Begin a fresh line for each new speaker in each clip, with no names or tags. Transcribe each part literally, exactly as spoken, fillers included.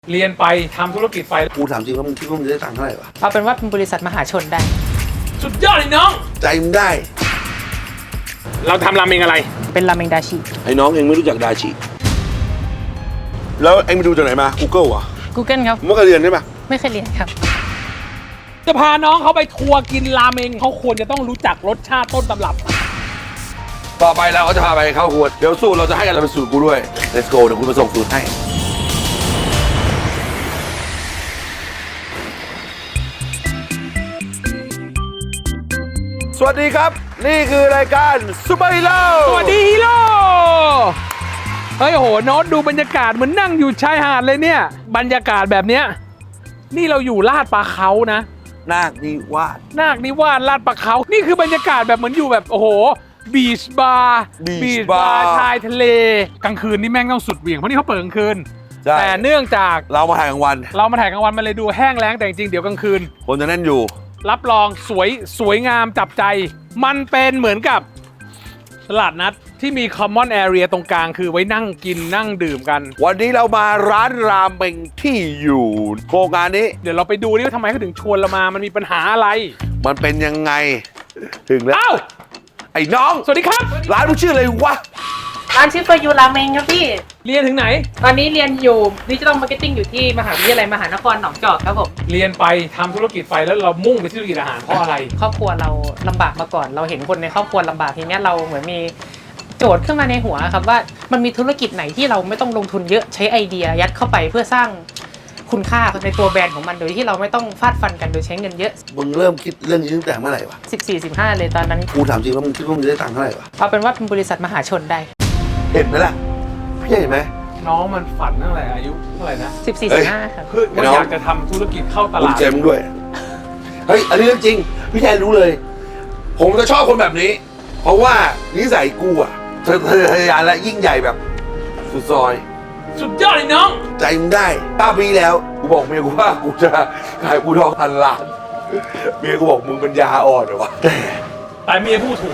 เรียนไปทำธุรกิจไป
กูถามจริงว่ามึงคิดว่ามึงจะได้ตังค์เท่าไหร่วะ
เอาเป็นว่าเป็นบริษัทมหาชนได้
สุดยอดเลยน้อง
ใจมึงได้
เราทำราเมงอะไร
เป็นราเมงดาชิ
ไอ้น้องเองไม่รู้จักดาชิแล้วเองไปดูจากไหนมา Google เหรอ
Google ครับ
มึงไม่เคยเรียนใช่ปะ
ไม่เคยเรียนครับ
จะพาน้องเขาไปทัวร์กินราเมงเขาควรจะต้องรู้จักรสชาติต้นตำรับ
ต่อไปเราก็จะพาไปเข้าครัวเดี๋ยวสูตรเราจะให้กันเราเป็นสูตรกูด้วย Let's go เดี๋ยวกูมาส่งสูตรให้สวัสดีครับนี่คือรายการซุปเปอร์ฮีโร่
สวัสดีฮีโร่เฮ้ยโหโน้ตดูบรรยากาศเหมือนนั่งอยู่ชายหาดเลยเนี่ยบรรยากาศแบบเนี้ยนี่เราอยู่ลาดปลาเขานะ
นาคนิวาส
นาคนิวาสลาดปลาเขานี่คือบรรยากาศแบบเหมือนอยู่แบบโอ้โหบีชบาร์บีชบาร์ชายทะเลกลางคืนนี่แม่งต้องสุดเหวี่ยงเพราะนี่เขาเปิดกลางคืนแต่เนื่องจาก
เรามาถ่ายกลางวัน
เรามาถ่ายกลางวันมันเลยดูแห้งแล้งแต่จริงๆเดี๋ยวกลางคืน
คนจะแน่นอยู่
รับรองสวยสวยงามจับใจมันเป็นเหมือนกับตลาดนัดที่มี common area ตรงกลางคือไว้นั่งกินนั่งดื่มกัน
วันนี้เรามาร้านรามเมงที่อยู่โครงการนี้
เดี๋ยวเราไปดูนี่ว่าทำไมเขาถึงชวนเรามามันมีปัญหาอะไร
มันเป็นยังไงถึงแล้ว
อ้าว
ไอ้น้อง
สวัสดีครับ
ร้านมึงชื่ออะไรวะ
ร้านชื่อเฟอร์ยูราเมงครับพี่
เรียนถึงไหน
ตอนนี้เรียนอยู่ดิจิทัลมาร์เก็ตติ้งอยู่ที่มหาวิทยาลัยมหานครหนองจอกครับผม
เรียนไปทำธุรกิจไปแล้วเรามุ่งไปที่ธุรกิจอาหารเพราะอะไร
ครอบครัวเราลำบากมาก่อนเราเห็นคนในครอบครัวลำบากทีนี้เราเหมือนมีโจทย์ขึ้นมาในหัวครับว่ามันมีธุรกิจไหนที่เราไม่ต้องลงทุนเยอะใช้ไอเดียยัดเข้าไปเพื่อสร้างคุณค่าในตัวแบรนด์ของมันโดยที่เราไม่ต้องฟาดฟันกันโดยใช้เงินเยอะ
มึงเริ่มคิดเรื่องนี้ตั้งแต่เมื่อไหร่วะ
สิบสี่ สิบห้าเลยตอนนั้น
กูถามจริงว่ามึงคิดว่ามึงจะได้ตังค์เท่าไหร่วะ
เอาเป็นว่าเป็นบริษัทมหาชนได้
เห็นไหมล่ะพี่เห็นไหม
น้องมันฝันตั้งแต่อายุเท่าไหร่นะ
สิบสี่ สิบห้าครับ
คือมันอยากจะทำธุรกิจเข้าตลาด
เจมด้วยเฮ้ยอันนี้เรื่องจริงพี่แทนรู้เลยผมจะชอบคนแบบนี้เพราะว่านิสัยกูอะเธอเธอทะยานและยิ่งใหญ่แบบสุดซอย
สุดยอดเลยน้อง
ใจมึงได้ป้าปีแล้วกูบอกเมียกูว่ากูจะขายกูทองพันล้านเมียกูบอกมึงเป็นยาอ่อนเหรอวะ
แต่เมียพูดถูก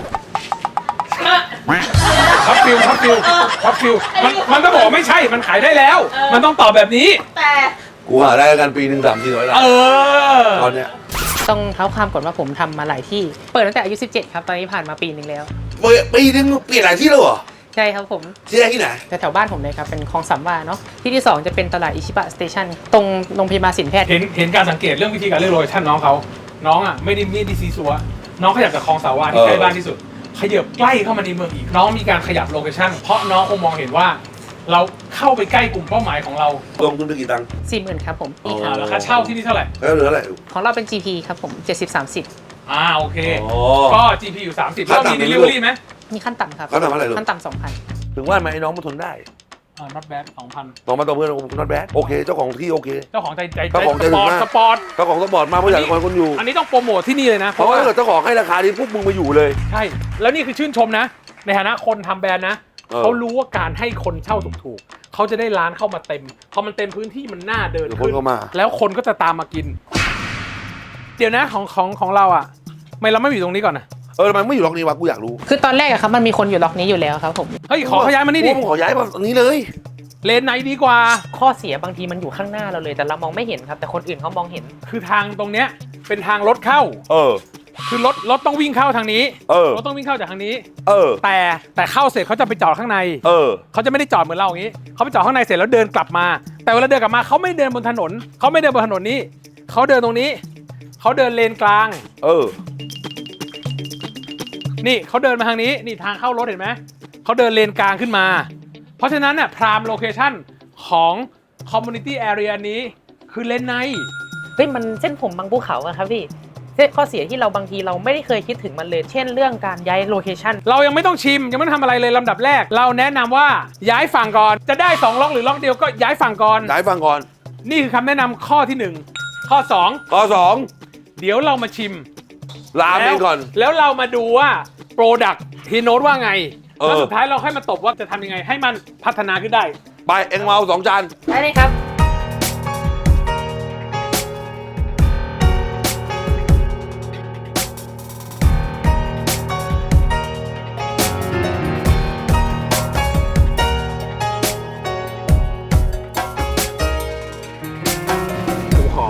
ช็อปฟิลช็อปฟิลช็อปฟิลมันมันก็บอกไม่ใช่มันขายได้แล้วมันต้องตอบแบบนี้
แต่
กูหาได้กันปีหนึ่งสามสี่ร้อยล้าน
เออ
ตอนเนี้ย
ต้องเท้าความก่อนว่าผมทำมาหลายที่เปิดตั้งแต่อายุสิบเจ็ดครับตอนนี้ผ่านมาปีนึงแล้ว
ปีนึงเปลี่ยนหลายที่แล้วเหรอ
ใช่ครับผม
ที่แรกที่ไหน
แถวบ้านผมเลยครับเป็นคลองสามวาเนาะที่ที่สองจะเป็นตลาดอิชิบะสเตชันตรงโรงพยาบาลศิลปแพทย์
เห็นเห็นการสังเกตเรื่องวิธีการเลือกโลเคชั่นน้องเขาน้องอ่ะไม่ได้ไม่ได้ซีซัวน้องขยับจากคลองสามวาที่ใกล้บ้านที่สุดขยับใกล้เข้ามาในเมืองอีกน้องมีการขยับโลเคชั่นเพราะน้องคงมองเห็นว่าเราเข้าไปใกล้กลุ่มเป้าหมายของเรา
ลงทุนไปกี่ตังค์
สี่หมื่นครับผม
อ่าแล้วค่าเช่าที่นี่เท่าไหร่
แล้วเหลือเท่าไหร่
ของเราเป็น จี พี ครับผมเจ็ดสิบ สามสิบ
อ่าโอเคก็ จี พี อยู่สามสิบแล้วมี delivery ไหม
มีขั้นต่ำครับ
ขั้นต่ำเท่าไหร่ลูก
ขั้นต่ำสองพัน
ถึงว่าไหมไอ้น้องมันทนได้
อ่า not bad สองพัน
ต่อมาต่อเพื่อน not bad โอเคเจ้าของที่โอเค
เจ้าของใจใจ
เจ้าของใจ
สปอร์ตสปอร์ต
เจ้าของสปอร์ตมาเพื่ออยากให้คนอยู่
อันนี้ต้องโปรโมทที่นี่เลยนะ
เพราะว่าถ้าเกิดเจ้าของให้ราคานี้พวกมึงมาอยู่เลย
ใช่แล้วนี่คือชื่นชมนะในฐานะคนทำแบรนด์นะเขารู้ว่าการให้คนเช่าถูกๆเขาจะได้ร้านเข้ามาเต็มพอมันเต็มพื้นที่มันน่าเดินขึ้นแล้วคนก็จะตามมากินเดี๋ยวนะของของของเราอ่ะทำไมเราไม่อยู่ตรงนี้ก่อนนะ
เออทำไมไม่อยู่ล็อกนี้วะกูอยากรู้
คือตอนแรกอะครับมันมีคนอยู่ล็อกนี้อยู่แล้วครับผม
เฮ้ยขอขยายมานี่ดิ
ขอย้ายมาตรงนี้เลย
เลนไหนดีกว่า
ข้อเสียบางทีมันอยู่ข้างหน้าเราเลยแต่เรามองไม่เห็นครับแต่คนอื่นเขามองเห็น
คือทางตรงเนี้ยเป็นทางรถเข้า
เออ
คือรถรถต้องวิ่งเข้าทางนี้
เออ
รถต้องวิ่งเข้าจากทางนี้
เออ
แต่แต่เข้าเสร็จเขาจะไปจอดข้างใน
เออ
เขาจะไม่ได้จอดเหมือนเราอย่างนี้เขาไปจอดข้างในเสร็จแล้วเดินกลับมาแต่เวลาเดินกลับมาเขาไม่เดินบนถนนเขาไม่เดินบนถนนนี้เขาเดินตรงนี้เขาเดินเลนกลาง
เออ
นี่เขาเดินมาทางนี้นี่ทางเข้ารถเห็นไหมเขาเดินเลนกลางขึ้นมาเพราะฉะนั้นน่ะพรามโลเคชั่นของ community area นี้คือเลนใน
เฮ้ยมันเส้นผมบางภูเขาอะครับพี่ข้อเสียที่เราบางทีเราไม่ได้เคยคิดถึงมันเลยเช่นเรื่องการย้ายโลเคชั่น
เรายังไม่ต้องชิมยังไม่ต้องทำอะไรเลยลำดับแรกเราแนะนำว่าย้ายฝั่งก่อนจะได้สองล็อกหรือล็อกเดียวก็ย้ายฝั่งก่อน
ย้ายฝั่งก่อน
นี่คือคำแนะนำข้อที่หนึ่งข้อสอง
ข้อสอง
เดี๋ยวเรามาชิม
ราเมงก่อน
แล้วเรามาดูว่าโปรดักต์ที่โน้ตว่าไงแล้วสุดท้ายเราค่อยมาตบว่าจะทำยังไงให้มันพัฒนาขึ้นได้
ไปเอ็งมาเอาสองจาน
ได้เลยครับ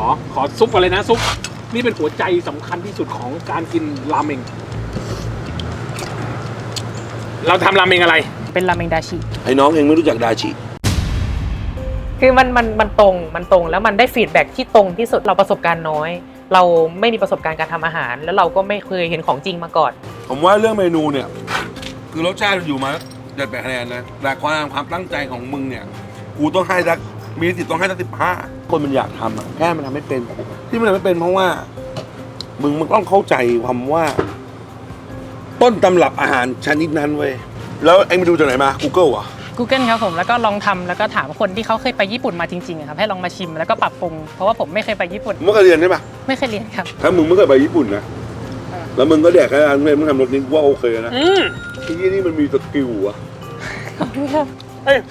ขอซุปก่อนเลยนะซุปนี่เป็นหัวใจสำคัญที่สุดของการกินราเมงเราทำราเมงอะไร
เป็นราเมงดาชิ
ไอ้น้องเองไม่รู้จักดาชิ
คือมันมันมันตรงมันตรงแล้วมันได้ฟีดแบ็กที่ตรงที่สุดเราประสบการณ์น้อย เราไม่มีประสบการณ์การทำอาหาร แล้วเราก็ไม่เคยเห็นของจริงมาก่อน
ผมว่าเรื่องเมนูเนี่ย คือรสชาติอยู่มาเจ็ดแปดคะแนนนะแต่ความความตั้งใจของมึงเนี่ยกูต้องให้สักมีสิทธิ์ต้องให้สักสิบห้าคนมันอยากทำอะแค่มันทำไม่เป็นที่มันทำไม่เป็นเพราะว่า มึงมันต้องเข้าใจความว่า ต้นตำรับอาหารชนิดนั้นเว้ยแล้วเอ็งไปดูจากไหนมา Google อ่ะ
Google ครับผมแล้วก็ลองทำแล้วก็ถามคนที่เขาเคยไปญี่ปุ่นมาจริงๆอะครับให้ลองมาชิมแล้วก็ปรับปรุงเพราะว่าผมไม่เคยไปญี่ปุ่น
มึงไม่เคยเรียนใช่ปะ
ไม่เคยเรียนครับ
ถ้ามึงไม่เคยไปญี่ปุ่นนะแล้วมึงก็แดกแค่ร้านมึงทำรสนี้ว่าโอเคนะ
อืม
ที่นี่นี่มันมีสกิลอะ
เอ้ย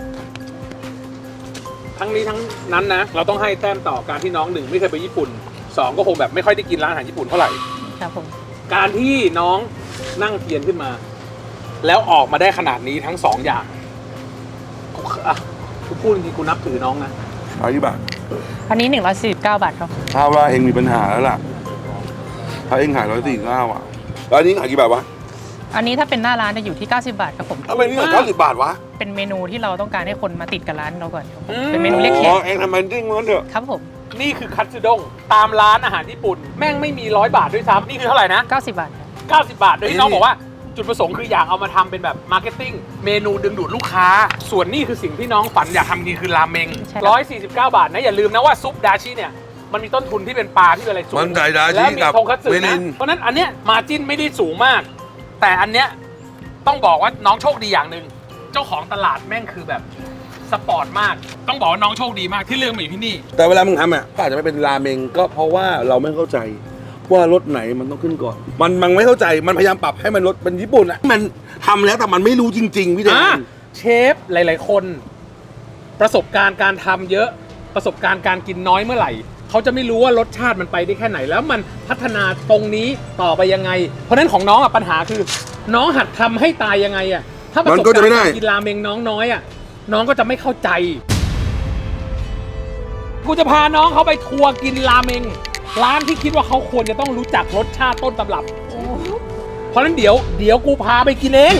ทั้งนี้ทั้งนั้นนะเราต้องให้แต้มต่อการที่น้องหนึ่งไม่เคยไปญี่ปุ่นสองก็คงแบบไม่ค่อยได้กินร้านอาหารญี่ปุ่นเท่าไหร่
ครับผม
การที่น้องนั่งเทียนขึ้นมา แล้วออกมาได้ขนาดนี้ทั้งสองอย่างกูอ่ะกูพูดจริงๆกูนับถือน้องนะ
ขายกี่บาท
อันนี้หนึ่งร้อยสี่สิบเก้าบาทครับ
ถ้าว่าเองมีปัญหาแล้วล่ะถ้าเองขายร้อยสี่เก้าอ่ะแล้วอันนี้ขายกี่บาทวะ
อันนี้ถ้าเป็นหน้าร้านจะอยู่ที่เก้าสิบบาทครับผม
ทำไมนี่ขายเก้าสิบบาทวะ
เป็นเมนูที่เราต้องการให้คนมาติดกับร้านเราก่อนครับผมเป็นเมนูเรียกแข
อ๋อก เองทำมันจริงมันเถอะ
ครับผม
นี่คือคัตสึด้งตามร้านอาหารญี่ปุ่น แม่งไม่มีร้อยบาทด้วยซ้ำนี่คือเท่าไหร่นะ
เก้าสิบบาทครับ
เก้าสิบบาทโดยที่น้องบอกว่าจุดประสงค์คืออยากเอามาทำเป็นแบบมาร์เก็ตติ้งเมนูดึงดูดลูกค้า ส่วนนี่คือสิ่งที่น้องฝันอยากทำจริงคือราเมงร้อยสี่สิบเก้าบาทนะอย่าลืมนะว่าซุปดาชิเนี่ยมันมีต้นทุนที่เป็นปลาที่เป็นอะไรสูง
มันไก่ดา
แล้
ชิ
วมี
กับ
ทงคัตสึ
เมนิ
นะ
น
เพราะฉะนั้นอันเนี้ยมาจิ้นไม่ได้สูงมาก แต่อันเนี้ยต้องบอกว่าน้องโชคดีอย่างหนึ่งเจ้าของตลาดแม่งคือแบบสปอร์ตมากต้องบอกว่าน้องโชคดีมากที่เลือกมาอยู่ที่นี่
แต่เวลามึงทำอ่ะก็อาจจะไม่เป็นราเมงก็เพราะว่าเราไม่เข้าใจว่ารสไหนมันต้องขึ้นก่อน มันมันไม่เข้าใจมันพยายามปรับให้มันรสเป็นญี่ปุ่นอ่ะมันทำแล้วแต่มันไม่รู้จริง ๆ พี่แด
อ่ะ
ง
เชฟหลาย ๆ คน ประสบการณ์การทำเยอะประสบการณ์การกินน้อยเมื่อไหร่เขาจะไม่รู้ว่ารสชาติมันไปได้แค่ไหน แล้วมันพัฒนาตรงนี้ต่อไปยังไง เพราะฉะนั้นของน้องอ่ะปัญหาคือ น้องหัดทำให้ตายยังไงอ่ะถ้าประสบการณ์การกินราเมงน้องน้อยอ่ะน้องก็จะไม่เข้าใจกูจะพาน้องเขาไปทัวร์กินราเมงร้านที่คิดว่าเขาควรจะต้องรู้จักรสชาติต้นตำรับเพราะฉะนั้นเดี๋ยวเดี๋ยวกูพาไปกินเอง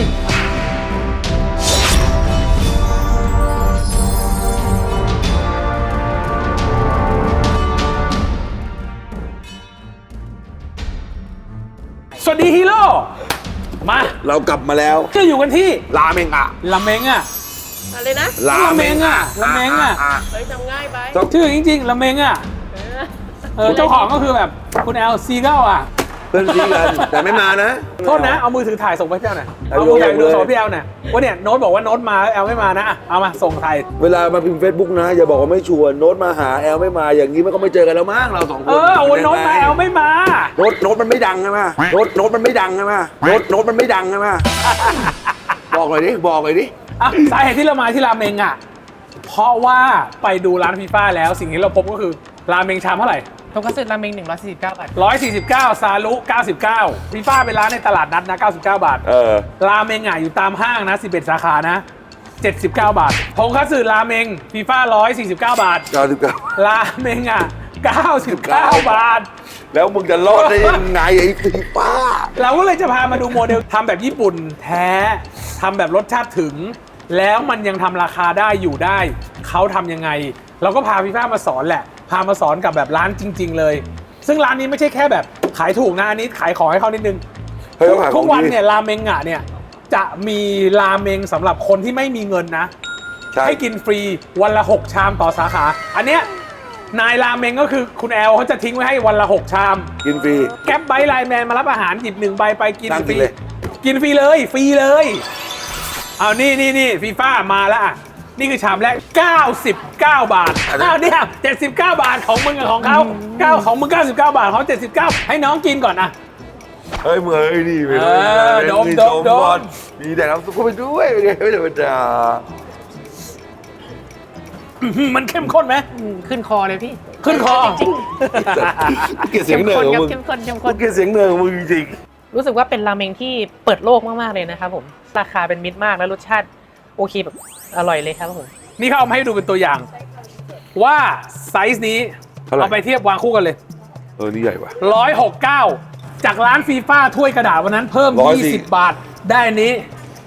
สวัสดีฮีโร่มา
เรากลับมาแล้ว
จะอยู่กันที่
ราเมงอ่ะ
ราเมงอ่ะ
อะไรนะ
ราเมงอ่ะ
ราเมงอ่ะ
เฮ้ยทำง่ายไป
ชื่อจริงๆราเมงอ่ะ
เออ
เออเจ้าของก็คือแบบคุณแอลซีเก้าอ่ะ
เพื่อนซีกันแต่ไม่มานะ
โทษนะเอามือถือถ่ายส่งไปให้พี่แอลหน่อย
เอา
เอามือถ่าย
เลย
ดูส่งพี่แอลหน่อยว่าเนี่ยโน้ตบอกว่าโน้ตมาแอลไม่มานะอ่ะเอามาส่งถ่าย
เวลามาพิมพ์เฟซบุ๊กนะ อย่าบอกว่าไม่ชวนโน้ตมาหาแอลไม่มาอย่างนี้มันก็ไม่เจอกันแล้วมั้งเราสองคน
เออเอาโน้ตมาแอลไม่มา
โน้ตโน้ตมันไม่ดังใช่ไหมโน้ตโน้ตมันไม่ดังใช่ไหมโน้ตโน้ตมันไม่ดังใช่ไหมบอกเลยดิบอกเลยดิ
อ่ะสาเหตุที่เรามาที่ราเมงอ่ะเพราะว่าไปดูร้านฟีฟ่าแล้วสิ่งที่เราพบก็คือราเมงชามเท่าไหร่
ทงคัตสึราเมงหนึ่งร้อยสี่สิบเก้าบาท
ร้อยสี่สิบเก้าซาลุเก้าสิบเก้าฟีฟ่าเป็นร้านในตลาดนัดนะเก้าสิบเก้าบาท
เออ
ราเมงอ่ะอยู่ตามห้างนะสิบเอ็ดสาขานะเจ็ดสิบเก้าบาททงคัตสึราเมงฟีฟ่าร้อยสี่สิบเก้าบาท
เก้าสิบเก้า
ราเมงอ่ะเก้าสิบเก้าบาท
แล้วมึงจะรอดได้ยังไงไอ้ฟีป้า
เราก็เลยจะพามาดูโมเดลทำแบบญี่ปุ่นแท้ทำแบบรสชาติถึง แล้วมันยังทำราคาได้อยู่ได้ เขาทำยังไง เราก็พาฟีฟ่ามาสอนแหละ พามาสอนกับแบบร้านจริง ๆ เลย ซึ่งร้านนี้ไม่ใช่แค่แบบขายถูกนะอันนี้ขายของให้เขานิดนึง
เฮ้ยต้องหาข
ทุ
อก ง
วัน
ดี
เนี่ยราเมงอ่ะเนี่ยจะมีราเมงสำหรับคนที่ไม่มีเงินนะ
ใช่
ให้กินฟรีวันละหกชามต่อสาขา อันเนี้ยนายราเมงก็คือคุณแอลเขาจะทิ้งไว้ให้วันละหกชาม
กินฟรี
แก๊ปไบท์ไลน์แมนมารับอาหารหยิบหนึ่งใบไปกิน
นั่ง
ฟ
กิ
รี
นเลย
กินฟรีเลยฟรีเลยเอานี่นี่นี่ฟีฟ่ามาแล้วอ่ะนี่คือชามแรกเก้าสิบเก้าบาทอ้าวเนี่ยเจ็ดสิบเก้าบาทของมึงกับของเขาเก้าของมึงเก้าสิบเก้าบาทเขาเจ็ดสิบเก้าให้น้องกินก่อนนะ
เฮ้ยมึงเอ้ยนี่ไป
เออโดมโดมโดม
มีแต่น้ำซุปเข้าไปด้วยเป็นไงไม่ธรรมดา
อื้อหือมันเข้มข้นไหม
อืมขึ้นคอเลยพี่
ขึ้นคอ
จริง
เกลียดเสียง
เข้ม
เหนือ
ข้น
ของ
ครับ
มึง
เข้มข้นเข้ม
กู
ข้น
เกลียดเสียงเหนือของมึงจริง
รู้สึกว่าเป็นราเมงที่เปิดโลกมากๆเลยนะครับผมราคาเป็นมิตรมากแล้วรสชาติโอเคแบบอร่อยเลยครับผม
นี่เขาเอามาให้ดูเป็นตัวอย่าง ว่าไซส์นี้
เท่าไหร่
เอาไปเทียบวางคู่กันเลย
เออนี่ใหญ่ว่ะ
ร้อยหกเก้าจากร้านฟีฟ่าถ้วยกระดาษวันนั้นเพิ่ม
ร้อยสี่
ยี่สิบบาทได้อันนี้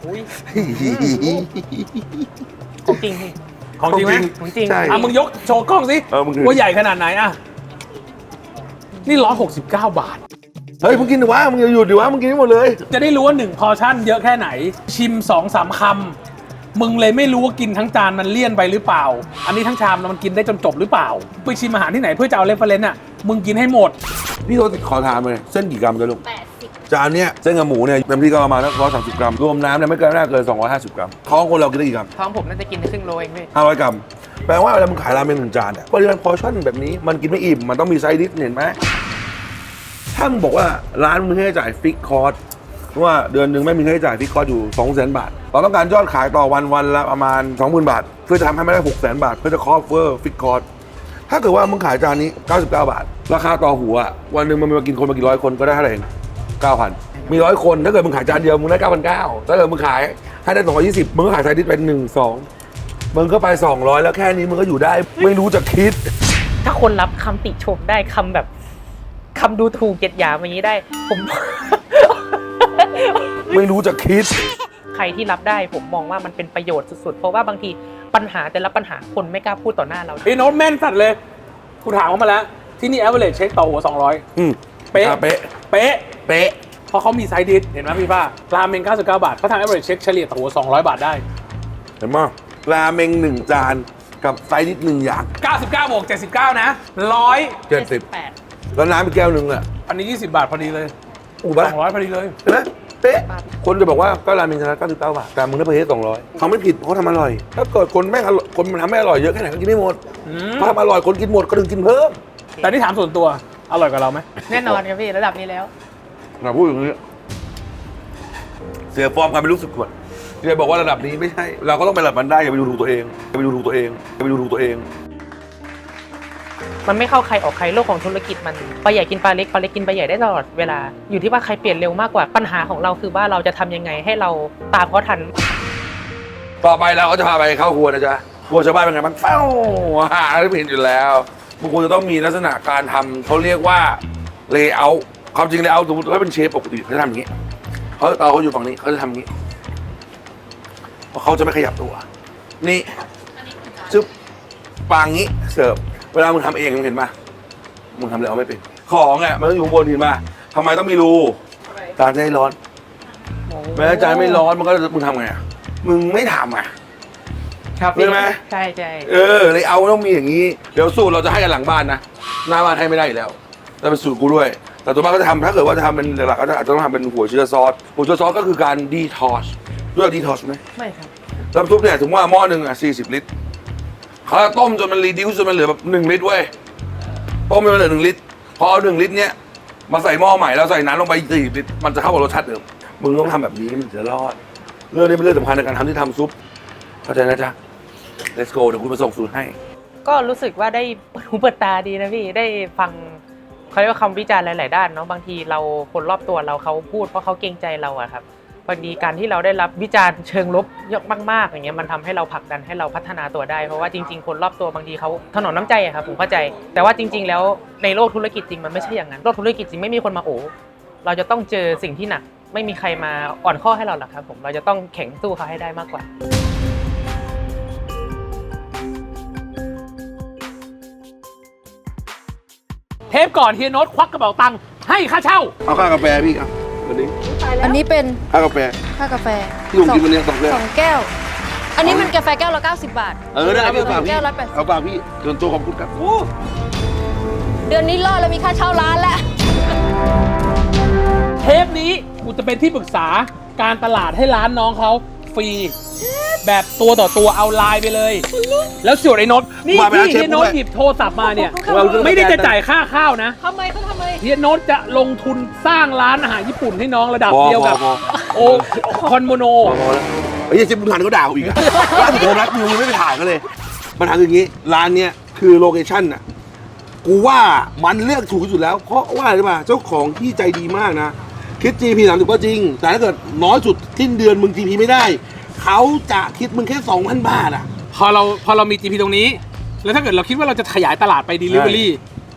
ของจริงพี่
ของจริงไหม
ของจริง
ใช่
อ่ะมึงยกโชว์กล้องสิ
เออมึงถือ
ว่าใหญ่ขนาดไหนอ่ะนี่ร้อยหกสิบเก้าบาท
เฮ้ยมึงกินดิวะมึงอย่าหยุดดิวะมึงกินให้หมดเลย
จะได้รู้ว่าหนึ่งพอร์ชั่นเยอะแค่ไหน ชิมสองสามคำมึงเลยไม่รู้ว่ากินทั้งจานมันเลี่ยนไปหรือเปล่า อันนี้ทั้งชามมันกินได้จนจบหรือเปล่าไปชิมอาหารที่ไหนเพื่อจะเอาเรฟเฟอเรนซ์อ่ะมึงกินให้หมด
พี่โทษขอถามเลยเส้นกี่กรัมกันลูก
แปดสิบ
จานเนี้ยเส้นกับหมูเนี่ยเต็มที่ก็ประมาณร้อยสามสิบกรัมรวมน้ำเนี่ยไม่เกินน่าเกินสองร้อยห้าสิบกรัมท้องคนเรากินได้กี่กรัม
ท้องผมน่าจะกินได้ครึ่งโลเองพี่
ห้าร้อยกรัมแปลว่าเวลามึงขายราเมงหนึ่งจานเนี่ยปริมาณพอร์ชั่นแบบนี้มันกินไม่อิ่มมันต้องมีไซด์ดิชเห็นไหมถ้ามึงบอกว่าร้านมึงให้จ่ายฟิกคอร์สว่าเดือนหนึ่งไม่มีค่าใช้จ่ายฟิกคอร์สอยู่สองแสนบาทเราต้องการยอดขายต่อวันวันละประมาณ สองหมื่น บาทเพื่อจะทำให้ไม่ได้หกแสนบาทเพื่อจะคอฟเวอร์ฟิกคอร์สถ้าเกิดว่ามึงขายจานนี้เก้าสิบเก้าบาทราคาต่อหัววันหนึ่งมันมากินคนมากี่ร้อยคนก็ได้เท่าไหร่เองเก้าพันมีร้อยคนถ้าเกิดมึงขายจานเดียวมึงได้เก้าพันเก้าถ้าเกิดมึงขายให้ได้สองร้อยยี่สิบมึงก็ขายไซดิสเป็นหนึ่งสองมึงก็ไปสองร้อยแล้วแค่นี้มึงก็อยู่ได้ไม่รู้จะคิด
ถ้าคนรับคำติชมได้คำแบบคำดูถูกเกียดหยามอย่างนี้ได้ ผม
ไม่รู้จะคิด
ใครที่รับได้ผมมองว่ามันเป็นประโยชน์สุดๆ เพราะว่าบางทีปัญหาแต่ละปัญหาคนไม่กล้าพูดต่อหน้าเรา
พี่โน้ตแม่นสัตว์เลยกูถามเขามาแล้ว ที่นี่ average เช็คต่อหัวสองร้อย
อืม
เป๊ะ
อ่ะเป๊ะ
เป๊ะ
เป๊ะ
เพราะเขามีไซดิสเห็นไหมพี่ป้าราเมงเก้าสิบเก้าบาทเขาทำ average เช็คเฉลี่ยต่อหัวสองร้อยบาทได้
เห็นมั้ยราเมงหนึ่งจานกับไซดิสหนึ่งอย่าง
เก้าสิบเก้าบวกเจ็ดสิบเก้านะร้อย
เจ็ดสิบ
แปด
แล้วน้ำอีกแก้วหนึ่งอ่ะ
อันนี้ยี่สิบบาทพอดีเลย
อู้บ้า
สองร้อยพอดีเลย
เห็นไหมเป๊ะคนจะบอกว่าก็ราเมงชนะเก้าสิบเก้าบาทแต่มึงได้ไปเฮดสองร้อยเขาไม่ผิดเพราะทำอร่อย ถ้าเกิดคนแม่งอร่อยคนมันทำไม่อร่อยเยอะแค่ไหนก็กินไม่หมด
อืม
ถ้าทำอร่อยคนกินหมดก็ถึงกินเพิ่ม
แต่นี่ถามส่วนตัวอร่อยกว่าเราไหม
แน่นอนครับพี่ระดับนี้แล้ว
เราพูดอย่างนี้เสียฟอร์มการเป็นลูกสุดขวดที่จะบอกว่าระดับนี้ไม่ใช่ เราก็ต้องไประดับมันได้อย่าไปดูถูกตัวเองอย่าไปดูถูกตัวเองอย่าไปดูถูกตัวเอง
มันไม่เข้าใครออกใครโลกของธุรกิจมันปลาใหญ่กินปลาเล็กปลาเล็กกินปลาใหญ่ได้ตลอดเวลาอยู่ที่ว่าใครเปลี่ยนเร็วมากกว่าปัญหาของเราคือว่าเราจะทำยังไงให้เราตามเขาทัน
ต่อไปเราก็จะพาไปเข้าครัวนะจ๊ะครัวชาวบ้านเป็นไงบ้างเป้าอาหารที่เห็นอยู่แล้วบางคนจะต้องมีลักษณะการทำเขาเรียกว่าเลเยอร์ความจริงเลเยอร์สมมติว่าเป็นเชฟปกติเขาจะทำอย่างนี้เขาเตาเขาอยู่ฝั่งนี้เขาจะทำอย่างนี้เพราะเขาจะไม่ขยับตัวนี่จึ๊บปางนี้เสิร์ฟเวลามึงทำเองมึงเห็นปะมึงทำเลเยอร์ไม่เป็นของอ่ะมันต้องอยู่ข้างบนเห็นปะทำไมต้องมีรูการจะให้ร้อนแม้ใจไม่ร้อนมันก็มึงทำไงอะมึงไม่ทำอ่ะ
ครับ
ใช่ไหม
ใช่ใช่
เออเลยเอาต้องมีอย่างนี้ เดี๋ยวสูตรเราจะให้กันหลังบ้านนะ หน้าบ้านให้ไม่ได้อยู่แล้วแต่เป็นสูตรกูด้วย แต่ตัวบ้านก็จะทำถ้าเกิดว่าจะทำเป็นหลักๆก็จะอาจจะต้องทำเป็นหัวเชื้อซอส หัวเชื้อซอสก็คือการดีทอสด้วยดีทอสไหม
ไม่ครับ
น้ำซุปเนี่ยถึงว่าหม้อหนึ่งอ่ะสี่สิบลิตรเขาจะต้มจนมันรีดิวจนมันเหลือแบบหนึ่งลิตรเว้ย ต้มจนมันเหลือหนึ่งลิตร พอเอาหนึ่งลิตรเนี้ยมาใส่หม้อใหม่แล้วใส่น้ำลงไปสี่ลิตร มันจะเข้ากับรสชาติเดิม มึงต้องทำแบบนี้มันจะรอด เรื่องนี้เป็นเรื่องสำคัญในการทำที่ทำซุป เข้าใจนะจ๊ะ let's go เดี๋ยวคุณมาส่งสูตรให้
ก็รู้สึกว่าได้เปิดหูเปิดตาดีนะพี่ได้ฟังเขาเรียกว่าคำวิจารณ์หลาย ๆ ด้านเนาะบางทีเราคนรอบตัวเราเขาพูดเพราะเขาเกรงใจเราอะครับพอดีการที่เราได้รับวิจารณ์เชิงลบเยอะมาก ๆ อย่างเงี้ยมันทำให้เราผลักดันให้เราพัฒนาตัวได้เพราะว่าจริง ๆ คนรอบตัวบางทีเขาถนอมน้ำใจอะครับผมเข้าใจ แต่ว่าจริง ๆ แล้วในโลกธุรกิจจริงมันไม่ใช่อย่างนั้นโลกธุรกิจจริงไม่มีคนมาโอ้เราจะต้องเจอสิ่งที่หนักไม่มีใครมาอ่อนข้อให้เราหรอกครับผมเราจะต้องแข็งสู้เขาให้ได้มากกว่า
เทปก่อนเฮียโน้ตควักกระเป๋าตังค์ให้ค่าเช่า
เอาค่ากาแฟพี่ครับวันนี้
อันนี้เป็น
ค่ากาแฟ
ค่ากาแฟ
ที่ผมกินวันนี้สองแก้ว
สองแก้ว อันนี้มันกาแฟแก้วละเก้าสิบบาท
เออได้เอาฝากพี่
แก้วละแปดสิบ
เอาฝากพี่ส่วนตัวขอบคุณครับ
เดือนนี้รอดแล้วมีค่าเช่าร้านแล้ว
เทปนี้กูจะเป็นที่ปรึกษาการตลาดให้ร้านน้องเขาฟรี แบบตัวต่อตัวเอาไลน์ไปเลย แล้วส่วนไอ้โน้ตนี่
มาไป
ที่
หาเชฟ
เฮียโน้ต
ด้วย
หยิบโทรศัพท์มาเนี่ย
ขอบคุณครับ
ไม่ได้จะจ่ายค่าข้าวนะ
ทำไมเขาทำไม
เฮียโน้ตจะลงทุนสร้างร้านอาหารญี่ปุ่นให้น้องระดับ
พอ
เดียวกับ
พอ
โอคอนโมโน
พอพอแล้วไอ้ยเชฟบุญทันก็ด่ากูอีกอะร้านผมรักกูยังไม่ไปถ่ายเขาเลยปัญหาคืออย่างนี้ร้านเนี้ยคือโลเคชั่นน่ะกูว่ามันเลือกถูกที่สุดแล้ว เพราะว่าอะไรรู้ป่ะเจ้าของที่ใจดีมากนะคิด จี พี สามสิบก็จริง แต่ถ้าเกิดน้อยสุดสิ้นเดือนมึง จี พี ไม่ได้เขาจะคิดมึงแค่ สองพัน บาทอ่ะ
พอเราพอเรามี จี พี ตรงนี้ แล้วถ้าเกิดเราคิดว่าเราจะขยายตลาดไป Delivery
ใช่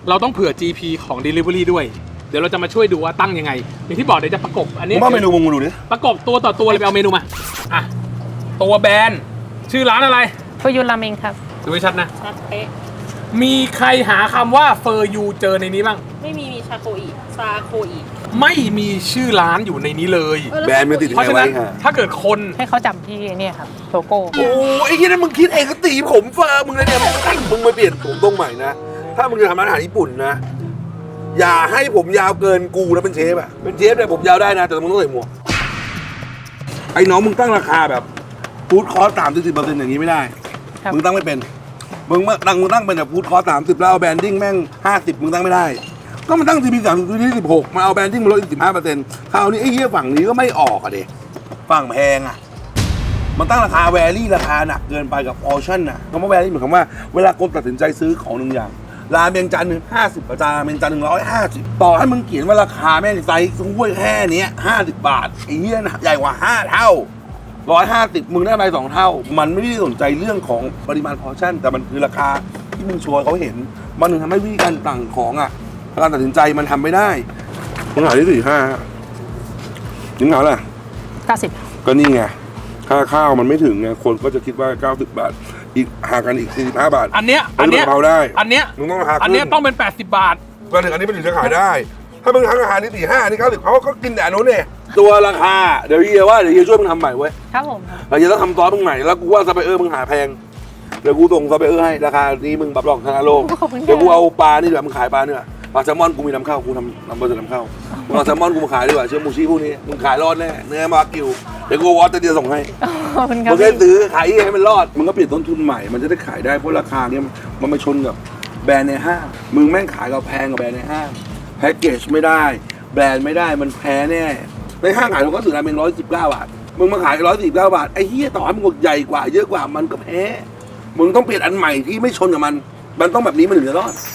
เราต้องเผื่อ จี พี ของ Delivery ด้วยเดี๋ยวเราจะมาช่วยดูว่าตั้งยังไงอย่างที่บอกเดี๋ยวจะประกบอัน
มึ
นี้
งว่าเมนูมึงมาดูดิ
ประกบตัวต่อตัวเลยไปเอาเมนูมาอ่ะตัวแบรนด์ชื่อร้านอะไร
เฟอร์ยูราเมงครับ
ดูให้ชัดนะ
ชัดเป๊ะ
มีใครหาคำว่าเฟอร์ยูเจอในนี้บ้าง
ไม่มีมีชาโคอีซาโคอี
ไม่มีชื่อร้านอยู่ในนี้เลย
แบรนด์มันติด
เพราะ
ไง
ฉะ
ไว้
นั้น
ค่ะ
ถ้าเกิดคน
ให้เขาจำที่เนี่ยครับโลโก้
โอ้ไอ้ที่นั่นมึงคิดเองก็ตีผมเฟอร์มึงเลยเนี่ยมึงมึงมาเปลี่ยนผมตรงใหม่นะถ้ามึงจะทำร้านอาหารญี่ปุ่นนะอย่าให้ผมยาวเกินกูนะเป็นเชฟอะเป็นเชฟเนี่ยผมยาวได้นะแต่มึงต้องใส่หมวกไอ้น้องมึงตั้งราคาแบบฟู้ดคอร์สสามสิบเปอร์เซ็นต์อย่างนี้ไม่ได้
ครับ
มึงตั้งไม่เป็น มึงมาตั้งมึงตั้งเป็นแบบฟู้ดคอร์สสามสิบแล้วเอาแบรนดิ้งแม่งห้าสิบมึงตั้งไม่ได้ ก็มันตั้งทีพีสามสิบทีสิบหกมาเอาแบรนดิ้งมาลดอีกสิบห้าเปอร์เซ็นต์คราวนี้ไอ้เหี้ยฝั่งนี้ก็ไม่ออกอะเด็ฝั่งแพงอะมันตั้งราคาแวรี่ราคาหนักเกินไปกับออชั่นอะคำว่าแวรี่หมายความว่าเวลาคนตัดสินใจซื้อของหนึ่งอย่างราเมงจานหนึ่งห้าสิบจานราเมงจานหนึ่งร้อยห้าสิบต่อให้มึงเขียนว่าราคาแม่งไซส์ถ้วยแค่เนี้ยห้าสิบบาทไอ้เหี้ยนะใหญ่กว่าห้าเท่าร้อยห้าสิบมึงได้ไปสองเท่า มันไม่ได้สนใจเรื่องของปริมาณพอร์ชั่นแต่มันคือราคาที่มึงชวนเขาเห็นมันถึงทำให้วิธีการต่างของอ่ะการตัดสินใจมันทำไม่ได้มึงหาที่สี่ห้ามึงหาอะไร
เก้าสิบ
ก็นี่ไงค่าข้าวมันไม่ถึงไงคนก็จะคิดว่าเก้าสิบบาทอีกห่างกันอีกสี่สิบห้าบาท
อันเนี้ยอันเนี้ย
กะเพราได้
อันเนี้ย
มึงต้องราคาขึ้น
อันเนี้ยต้องเป็นแปดสิบบาท
ก็ถึงอันนี้มันถึงจะขายได้ ถ้ามึงทำอาหารนี่สี่ห้านี่เก้าสิบเขาก็กินแต่อันนู้นเนี่ยตัวราคาเดี๋ยวเฮียว่าเดี๋ยวเฮียช่วยมึงทำใหม่เว้ย
ครับผม
เราจะต้องทำซอสมึงใหม่แล้วกูว่าซัพพลายเออร์มึงหาแพงเดี๋ยวกูส่งซัพพลายเออร์ให้ราคานี้มึงรับรองชนะโลก
ขอบคุณค่ะ
เดี๋ยวกูเอาปลานี่ดีกว่ามึงขายปลาเนี่ยปลาแซลมอนกูมีนำเข้ากูทำนำบริษัทนำเข้ามึงเอาแซลมอนกูมาขายดีกว่าเชื่อมูชิพวกนี้มึงขายรอดแน่เนื้อมากิวเดี๋ยวกูวอตเดียวส่งให้
ขอบคุณครั
มึ
บ
งแค่ซื้อขายให้มันรอดมึงก็เปลี่ยนต้นทุนใหม่มันจะได้ขายได้เพราะราคาเนี้ยมันมาชนกับแบรนด์ในห้างมึงแม่งขายกับแพงกับแบรนด์ในห้างแพ็กเกจไม่ได้แบรนด์ไม่ได้มันแพ้แน่ในห้างขายเราก็ซื้อราเมงร้อยสิบเก้าบาทมึงมาขายร้อยสิบเก้าบาทไอ้เหี้ยต่อให้มึงใหญ่กว่าเยอะกว่ามันก็แพ้มึงต้องเปลี่ยนอันใหม่ที่ไม่ชนกับมันมันต้องแบบนี้มันถึงจะรอด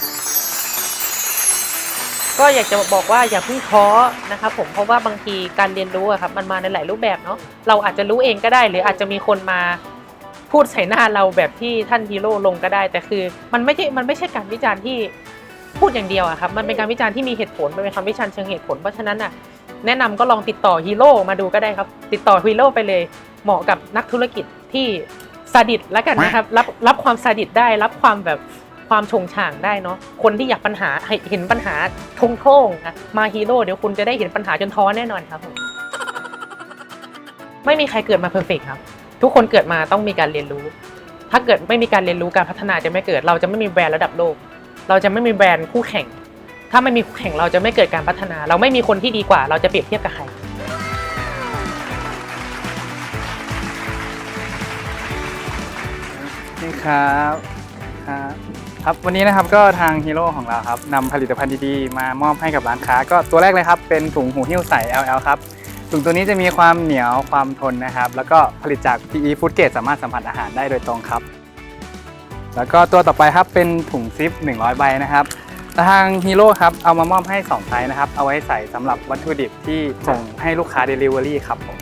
ก็อยากจะบอกว่าอย่าเพิ่งท้อนะครับผมเพราะว่าบางทีการเรียนรู้อะครับมันมาในหลายรูปแบบเนาะเราอาจจะรู้เองก็ได้หรืออาจจะมีคนมาพูดใส่หน้าเราแบบที่ท่านฮีโร่ลงก็ได้ แต่คือมันไม่ใช่มันไม่ใช่การวิจารณ์ที่พูดอย่างเดียวอะครับมันเป็นการวิจารณ์ที่มีเหตุผลมันเป็นคำวิจารณ์เชิงเหตุผลเพราะฉะนั้นอะแนะนำก็ลองติดต่อฮีโร่มาดูก็ได้ครับติดต่อฮีโร่ไปเลยเหมาะกับนักธุรกิจที่ซาดิสแล้วกันนะครับรับรับความซาดิสได้รับความแบบความชงช่างได้เนาะคนที่อยากปัญหาเห็นปัญหาทงโท่งนะมาฮีโร่เดี๋ยวคุณจะได้เห็นปัญหาจนท้อแน่นอนครับผมไม่มีใครเกิดมาเพอร์เฟกต์ครับทุกคนเกิดมาต้องมีการเรียนรู้ถ้าเกิดไม่มีการเรียนรู้การพัฒนาจะไม่เกิดเราจะไม่มีแบรนด์ระดับโลกเราจะไม่มีแบรนด์คู่แข่งถ้าไม่มีคู่แข่งเราจะไม่เกิดการพัฒนา เราไม่มีคนที่ดีกว่าเราจะเปรียบเทียบกับใคร
นี่ครับครับครับวันนี้นะครับก็ทางฮีโร่ของเราครับนำผลิตภัณฑ์ดีๆมามอบให้กับร้านค้าก็ตัวแรกเลยครับเป็นถุงหูหิ้วใส แอล แอล ครับถุงตัวนี้จะมีความเหนียวความทนนะครับแล้วก็ผลิตจาก พี อี Food Grade สามารถสัมผัสอาหารได้โดยตรงครับแล้วก็ตัวต่อไปครับเป็นถุงซิปหนึ่งร้อยใบนะครับทางฮีโร่ครับเอามามอบให้สองไซส์นะครับเอาไว้ใส่สำหรับวัตถุดิบที่ส่งให้ลูกค้า Delivery ครับผม